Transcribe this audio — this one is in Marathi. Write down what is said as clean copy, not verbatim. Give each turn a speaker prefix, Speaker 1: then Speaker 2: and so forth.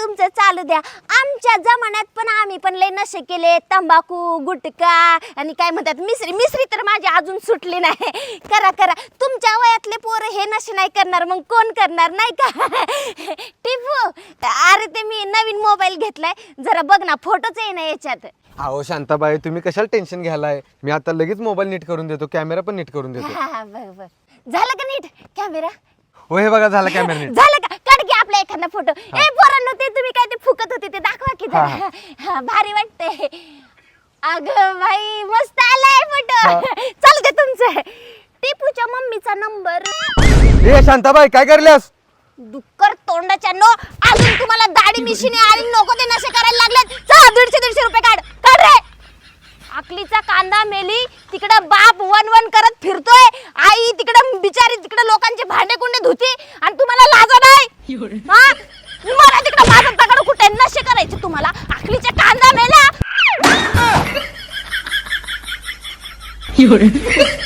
Speaker 1: तुमचं चालू द्या. आमच्या जमान्यात पण आम्ही पण लय नशे केले, तंबाखू गुटखा आणि काय म्हणतात मिसरी. मिसरी तर माझी अजून सुटली नाही. करा करा, तुमच्या वयातले पोरं हे नशे नाही करणार मग कोण करणार नाही का? टिपू, अरे ते मी नवीन मोबाईल घेतलाय, जरा बघ ना, फोटोच आहे ना याच्यात.
Speaker 2: अहो शांताबाई, तुम्ही कशाला टेन्शन घ्यालाय? मी आता लगेच मोबाईल नीट करून देतो, कॅमेरा पण नीट करून देतो.
Speaker 1: हा बघ बघ, झालं का नीट कॅमेरा?
Speaker 2: हो हे बघा, झाला कॅमेरा नीट.
Speaker 1: झालं का? काढ की आपला एखादा फोटो. ए पोरांनो, ते तुम्ही काय ते फुकत होते ते दाखवा की जरा. हा, भारी वाटते. अगं भाई, मस्त आलाय फोटो. चालू दे तुमचं. टिपूच्या मम्मीचा नंबर.
Speaker 2: ए शांताबाई, काय करल्यास?
Speaker 1: डुक्कर तोंडाच्या नो, अजून तुम्हाला दाढी मिशीने आणि नको ते नशे करायला लागलेत. चल 150 रुपये काढ काढ रे. आकलीचा कांदा मेली, तिकडं बाप वन करत फिरतोय, आई तिकडं बिचारी तिकडं लोकांचे भांडे कुंडे धुती, आणि तुम्हाला लाज नाही? हा, मला तिकडं माझं दगड कुठे नशे करायचे तुम्हाला? आकलीचा कांदा मेला.